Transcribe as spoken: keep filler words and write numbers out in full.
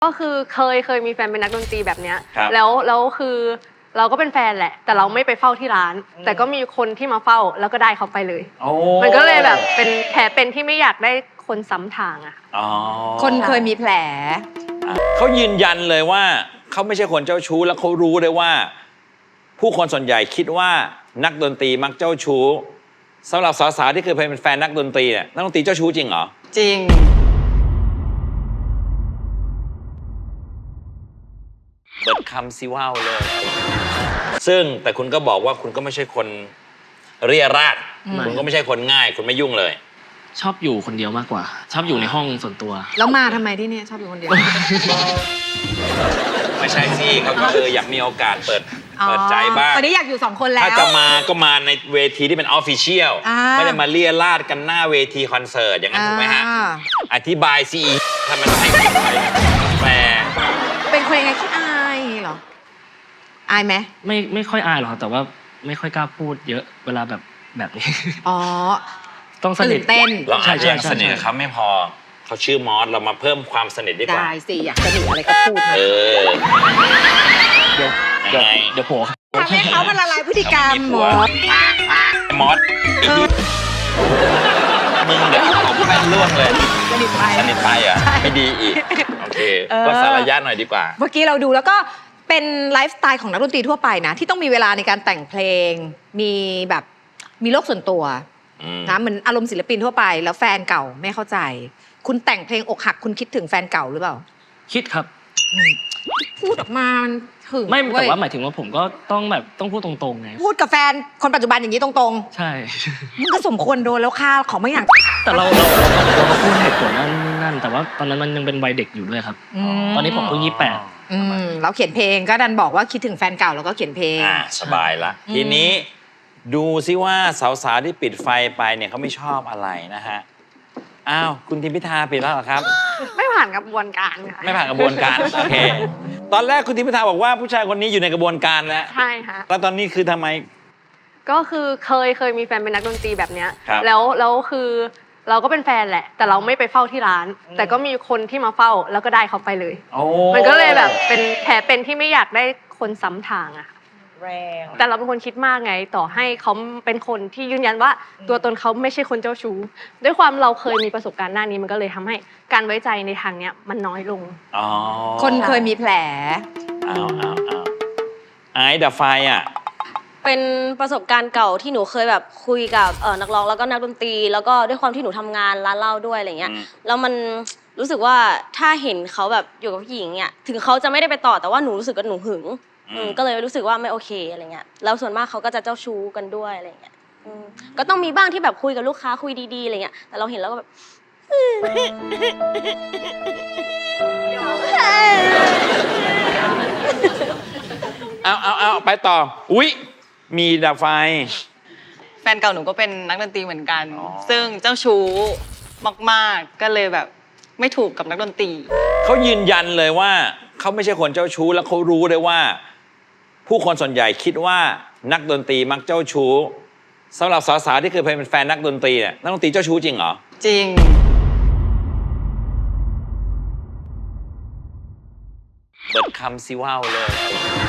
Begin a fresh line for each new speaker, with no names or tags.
ก็คือเคยเคยมีแฟนเป็นนักดนตรีแบบเนี้ยแล้วแล้วคือเราก็เป็นแฟนแหละแต่เราไม่ไปเฝ้าที่ร้านแต่ก็มีคนที่มาเฝ้าแล้วก็ได้เขาไปเลยมันก็เลยแบบเป็นแผลเป็นที่ไม่อยากได้คนซ้ำทางอะ
คนเคยมีแผล
เขายืนยันเลยว่าเขาไม่ใช่คนเจ้าชู้แล้วเขารู้เลยว่าผู้คนส่วนใหญ่คิดว่านักดนตรีมักเจ้าชู้สำหรับสาวๆที่เคยเป็นแฟนนักดนตรีเนี่ยนักดนตรีเจ้าชู้จริงเหรอ
จริง
เบิดคำซิว่าวเลยซึ่งแต่คุณก็บอกว่าคุณก็ไม่ใช่คนเรียราดคุณก็ไม่ใช่คนง่ายคุณไม่ยุ่งเลย
ชอบอยู่คนเดียวมากกว่าชอบอยู่ในห้องส่วนตัว
แล้วมาทำไมที่นี่ชอบอยู่คนเดียว
ไม่ใช่สิเขาก็เอออยากมีโอกาสเปิดเปิดใจบ้าง
ตอนนี้อยากอยู่สองคนแล้ว
ถ้าจะมาก็มาในเวทีที่เป็นออฟฟิเชียลไม่ได้มาเลียราดกันหน้าเวทีคอนเสิร์ตอย่างนั้นถูกไหมฮะอธิบายสิทำไมต้องให้คนไปแปล
เป็นคนยังไงขี้อายเหรออายไหม
ไม่ไม่ค่อยอายหรอกแต่ว่าไม่ค่อยกล้าพูดเยอะเวลาแบบแบบนี้
อ๋อ
ต้องสนิท
เต้น
เราอาจจะยังสนิทกับเขาไม่พอเขาชื่อมอสเรามาเพิ่มความสนิทดีกว่า
ได้สิอยากสนิทอะไรก็พูด
เออ
เดี๋ยวเดี๋ยวเดี๋ยวโผล่
ทำให้เขามันละลายพฤติกรรมมอส
มอสมึงเดี๋ยวผมแม่นร่วงเลย
สนิทไป
สนิทไปอ่ะไม่ดีอีกโอเคก็สารยะหน่อยดีกว่า
เมื่อกี้เราดูแล้วก็เป็นไลฟ์สไตล์ของนักดนตรีทั่วไปนะที่ต้องมีเวลาในการแต่งเพลงมีแบบมีโลกส่วนตัวนะเหมือนอารมณ์ศิลปินทั่วไปแล้วแฟนเก่าไม่เข้าใจคุณแต่งเพลงอกหักคุณคิดถึงแฟนเก่าหรือเปล่า
คิดครับ
พูดออกมามันถึง
ไม่แต่ว่าหมายถึงว่าผมก็ต้องแบบต้องพูดตรงๆไง
พูดกับแฟนคนปัจจุบันอย่างนี้ตรง
ๆใช่
มันก็สมควรโดนแล้วค่าของไม่อย่าง
แต่เราเราเราก็พูดเหตุผลนั่นนั่นแต่ว่าตอนนั้นมันยังเป็นวัยเด็กอยู่ด้วยครับตอนนี้ผมเพิ่งยี่สิบแปด
เราเขียนเพลงก็ดันบอกว่าคิดถึงแฟนเก่าแล้วก็เขียนเพลง
สบายละทีนี้ดูซิว่าสาวๆที่ปิดไฟไปเนี่ยเขาไม่ชอบอะไรนะฮะอ้าวคุณทิมพิธาปิดแล้วเหรอครับ
ไม่ผ่านกระบวนการค่ะ
ไม่ผ่านกระบวนการโอเคตอนแรกคุณทิมพิธาบอกว่าผู้ชายคนนี้อยู่ในกระบวนการแล้ว
ใช่ค่ะ
แล้วตอนนี้คือทำไม
ก็คือเคยเคยมีแฟนเป็นนักดนตรีแบบเนี้ยแล้วแล้วคือเราก็เป็นแฟนแหละแต่เราไม่ไปเฝ้าที่ร้านแต่ก็มีคนที่มาเฝ้าแล้วก็ได้เขาไปเลยมันก็เลยแบบเป็นแผลเป็นที่ไม่อยากได้คนซ้ำทางอะแต่เราเป็นคนคิดมากไงต่อให้เขาเป็นคนที่ยืนยันว่าตัวตนเขาไม่ใช่คนเจ้าชู้ด้วยความเราเคยมีประสบการณ์หน้านี้มันก็เลยทำให้การไว้ใจในทางเนี้ยมันน้อยลง
คนเคยมีแผล
อ้าวอ้าวอ้าวไอ้ดับไฟอ่ะ
เป็นประสบการณ์เก่าที่หนูเคยแบบคุยกับเออนักร้องแล้วก็นักดนตรีแล้วก็ด้วยความที่หนูทำงานร้านเหล้าด้วยอะไรเงี้ยแล้วมันรู้สึกว่าถ้าเห็นเขาแบบอยู่กับผู้หญิงเนี่ยถึงเขาจะไม่ได้ไปต่อแต่ว่าหนูรู้สึกว่าหนูหึงก็เลยรู้สึกว่าไม่โอเคอะไรเงี้ยแล้วส่วนมากเขาก็จะเจ้าชู้กันด้วยอะไรเงี้ยก็ต้องมีบ้างที่แบบคุยกับลูกค้าคุยดีๆอะไรเงี้ยแต่เราเห็นแล้วก็แบบ
เอาเอาเอาไปต่ออุ๊ยมีดับไฟ
แฟนเก่าหนูก็เป็นนักดนตรีเหมือนกันซึ่งเจ้าชู้มากๆก็เลยแบบไม่ถูกกับนักดนตรี
เขายืนยันเลยว่าเขาไม่ใช่คนเจ้าชู้แล้วเขารู้เลยว่าผู้คนส่วนใหญ่คิดว่านักดนตรีมักเจ้าชู้สำหรับสาวๆที่เคยเป็นแฟนนักดนตรีเนี่ยนักดนตรีเจ้าชู้จริงเหรอ
จริง
เบิดคำซิว่าวเลย